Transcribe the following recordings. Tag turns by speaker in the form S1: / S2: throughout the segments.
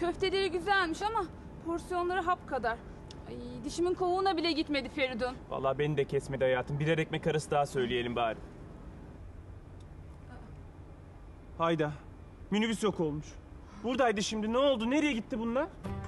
S1: Köfteleri güzelmiş ama porsiyonları hap kadar. Ay, dişimin kovuğuna bile gitmedi Feridun.
S2: Vallahi beni de kesmedi hayatım. Birer ekmek arası daha söyleyelim bari. Hayda. Minibüs yok olmuş. Buradaydı şimdi. Ne oldu? Nereye gitti bunlar?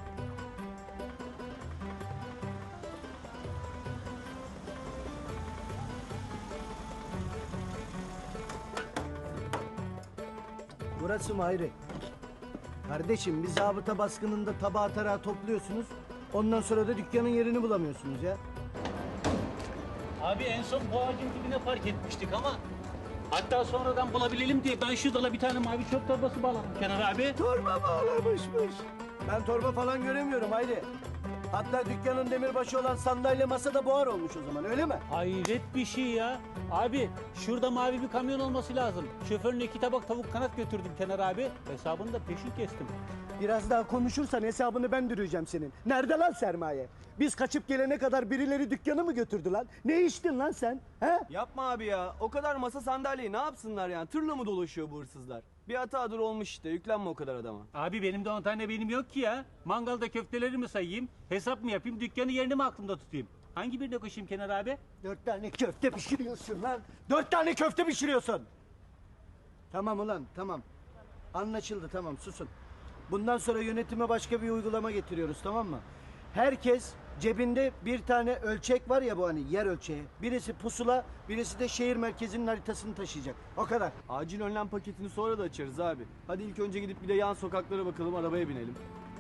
S3: Burası mı Hayri? Kardeşim bir zabıta baskınında tabağı tarağı topluyorsunuz. Ondan sonra da dükkanın yerini bulamıyorsunuz ya.
S4: Abi en son bu ağacın dibine park etmiştik ama hatta sonradan bulabilelim diye ben şu dala bir tane mavi çöp torbası bağladım Kenan abi.
S3: Torba bağlamışmış. Ben torba falan göremiyorum Hayri. Hatta dükkanın demirbaşı olan sandalye masa da buhar olmuş o zaman öyle mi?
S4: Hayret bir şey ya. Abi şurada mavi bir kamyon olması lazım. Şoförüne 2 tabak tavuk kanat götürdüm Kenan abi. Hesabını da peşin kestim.
S3: Biraz daha konuşursan hesabını ben dürüyeceğim senin. Nerede lan sermaye? Biz kaçıp gelene kadar birileri dükkanı mı götürdü lan? Ne içtin lan sen? He?
S5: Yapma abi ya. O kadar masa sandalyeyi ne yapsınlar yani? Tırla mı dolaşıyor bu hırsızlar? Bir hatadır olmuş işte. Yüklenme o kadar adama.
S4: Abi benim de 10 tane benim yok ki ya. Mangalda köfteleri mi sayayım, hesap mı yapayım, dükkanı yerini mi aklımda tutayım? Hangi birine koşayım Kenan abi?
S3: 4 tane köfte pişiriyorsun lan. 4 tane köfte pişiriyorsun. Tamam ulan tamam. Anlaşıldı tamam susun. Bundan sonra yönetime başka bir uygulama getiriyoruz tamam mı? Herkes cebinde bir tane ölçek var ya bu hani yer ölçeği. Birisi pusula, birisi de şehir merkezinin haritasını taşıyacak. O kadar.
S5: Acil önlem paketini sonra da açarız abi. Hadi ilk önce gidip bir de yan sokaklara bakalım, arabaya binelim.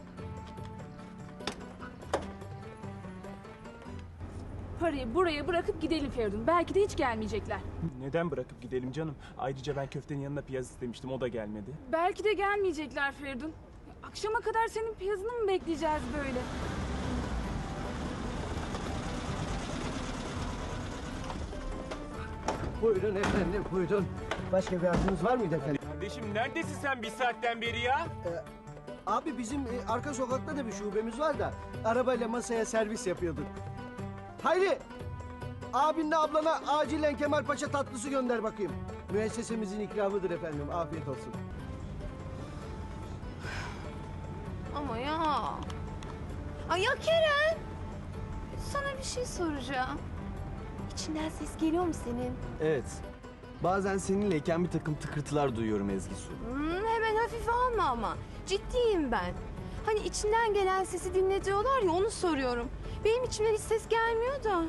S1: Parayı buraya bırakıp gidelim Feridun. Belki de hiç gelmeyecekler.
S2: Neden bırakıp gidelim canım? Ayrıca ben köftenin yanına piyaz istemiştim. O da gelmedi.
S1: Belki de gelmeyecekler Feridun. Akşama kadar senin piyazını mı bekleyeceğiz böyle?
S3: Buyurun efendim buyurun. Başka bir arzunuz var mıydı efendim?
S2: Kardeşim neredesin sen bir saatten beri ya?
S3: Abi bizim arka sokakta da bir şubemiz var da arabayla masaya servis yapıyorduk. Hayri! Abinle ablana acilen Kemalpaşa tatlısı gönder bakayım. Müessesemizin ikramıdır efendim. Afiyet olsun.
S6: Ama ya. Ay ya Kerem. Sana bir şey soracağım. İçinden ses geliyor mu senin?
S5: Evet. Bazen seninleyken bir takım tıkırtılar duyuyorum Ezgi Su.
S6: Hemen hafife alma ama. Ciddiyim ben. Hani içinden gelen sesi dinle diyorlar ya onu soruyorum. Benim içimden hiç ses gelmiyor da. Ya.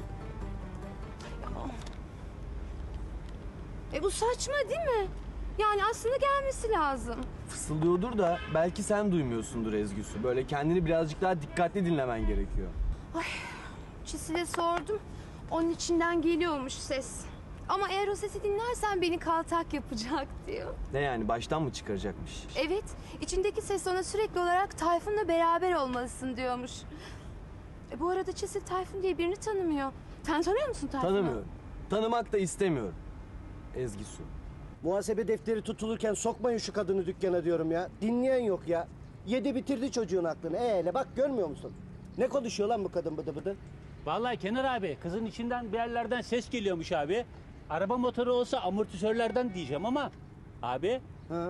S6: Bu saçma değil mi? Yani aslında gelmesi lazım.
S5: Fısıldıyordur da belki sen duymuyorsundur Ezgi Su. Böyle kendini birazcık daha dikkatli dinlemen gerekiyor.
S6: Çisil'e sordum. Onun içinden geliyormuş ses. Ama eğer o sesi dinlersen beni kaltak yapacak diyor.
S5: Ne yani baştan mı çıkaracakmış?
S6: Evet, içindeki ses ona sürekli olarak Tayfun'la beraber olmalısın diyormuş. Bu arada Çisil Tayfun diye birini tanımıyor. Sen tanıyor musun Tayfun'u?
S5: Tanımıyorum. Tanımak da istemiyorum. Ezgi Su.
S3: Muhasebe defteri tutulurken sokmayın şu kadını dükkana diyorum ya. Dinleyen yok ya. Yedi bitirdi çocuğun aklını. Hele bak görmüyor musun? Ne konuşuyor lan bu kadın bıdı bıdı?
S4: Vallahi Kenan abi kızın içinden bir yerlerden ses geliyormuş abi. Araba motoru olsa amortisörlerden diyeceğim ama abi
S3: Ha?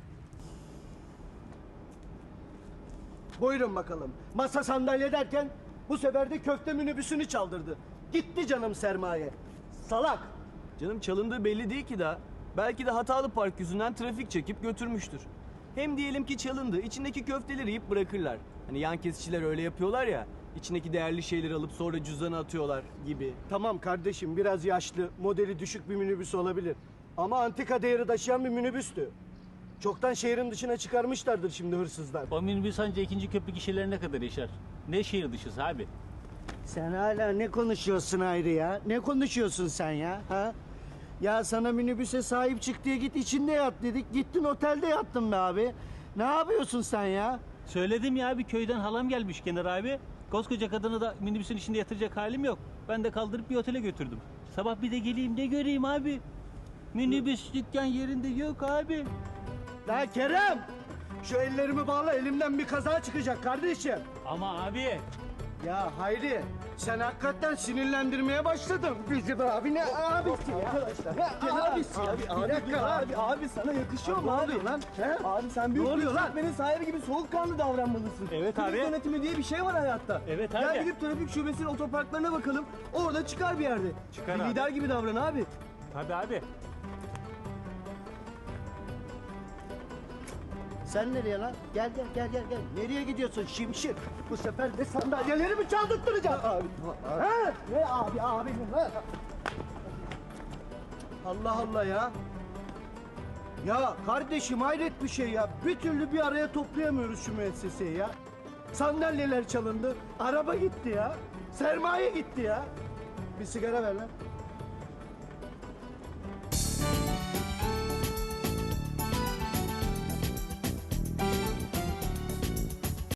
S3: Buyurun bakalım. Masa sandalye derken bu sefer de köfte minibüsünü çaldırdı. Gitti canım sermaye. Salak.
S5: Canım çalındığı belli değil ki daha. Belki de hatalı park yüzünden trafik çekip götürmüştür. Hem diyelim ki çalındı, içindeki köfteleri yiyip bırakırlar. Hani yan kesiciler öyle yapıyorlar ya, içindeki değerli şeyleri alıp sonra cüzdana atıyorlar gibi.
S3: Tamam kardeşim biraz yaşlı, modeli düşük bir minibüs olabilir. Ama antika değeri taşıyan bir minibüstü. Çoktan şehrin dışına çıkarmışlardır şimdi hırsızlar.
S4: o minibüs anca 2. köprü gişelerine kadar yaşar. Ne şehir dışısı abi.
S3: Sen hala ne konuşuyorsun ayrı ya? Ne konuşuyorsun sen ya? Ha? Ya sana minibüse sahip çık diye git içinde yat dedik. Gittin otelde yattın be abi. Ne yapıyorsun sen ya?
S4: Söyledim ya abi köyden halam gelmiş Kenar abi. Koskoca kadını da minibüsün içinde yatıracak halim yok. Ben de kaldırıp bir otele götürdüm. Sabah bir de geleyim ne göreyim abi. Minibüs dükkan yerinde yok abi.
S3: La Kerem! Şu ellerimi bağla elimden bir kaza çıkacak kardeşim.
S4: Ama abi
S3: Ya Hayri Sen hakikaten sinirlendirmeye başladın. Bizim abi ne abisi ya? Arkadaşlar. Ne abisi ya? Bir dakika abi.
S5: Abi sana yakışıyor mu abi?
S3: oluyor lan? He?
S5: Abi sen büyük
S3: Ne oluyor
S5: bir
S3: lan?
S5: işletmenin sahibi gibi soğukkanlı davranmalısın.
S4: Evet
S5: Trafik
S4: abi.
S5: yönetimi diye bir şey var hayatta.
S4: Evet
S5: Gel
S4: abi.
S5: gidip trafik şubesinin otoparklarına bakalım. Orada çıkar bir yerde.
S4: Çıkar
S5: bir
S4: abi.
S5: lider gibi davran abi.
S4: Tabii abi.
S3: Sen nereye lan? Gel. Nereye gidiyorsun şimşir? Bu sefer de sandalyeleri mi çaldırttıracaksın? Abi. Ha? Ne abi ha? Allah Allah ya. Ya kardeşim hayret bir şey ya. Bir türlü bir araya toplayamıyoruz şu müesseseyi ya. Sandalyeler çalındı, araba gitti ya. Sermaye gitti ya. Bir sigara ver lan.